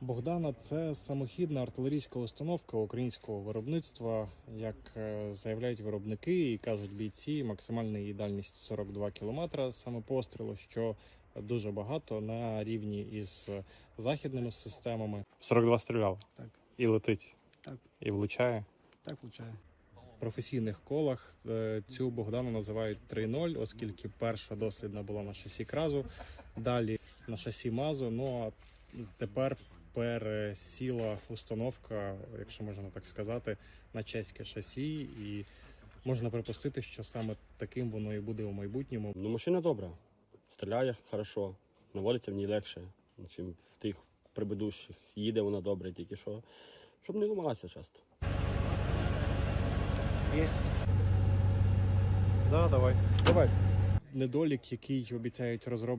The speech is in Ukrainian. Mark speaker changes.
Speaker 1: Богдана – це самохідна артилерійська установка українського виробництва. Як заявляють виробники і кажуть бійці, максимальна її дальність 42 кілометри саме пострілу, що дуже багато на рівні із західними системами. 42 стріляв?
Speaker 2: Так.
Speaker 1: І летить?
Speaker 2: Так.
Speaker 1: І влучає?
Speaker 2: Так влучає.
Speaker 1: В професійних колах цю Богдану називають 3.0, оскільки перша дослідна була на шасі Кразу, далі на шасі Мазу, ну а тепер пересіла установка, якщо можна так сказати, на чеське шасі, і можна припустити, що саме таким воно і буде у майбутньому.
Speaker 3: Ну, машина добра, стріляє хорошо, наводиться в ній легше, ніж в тих предыдущих. Їде вона добре, тільки що, щоб не ламалася часто.
Speaker 1: Да, давай. Недолік, який обіцяють розробити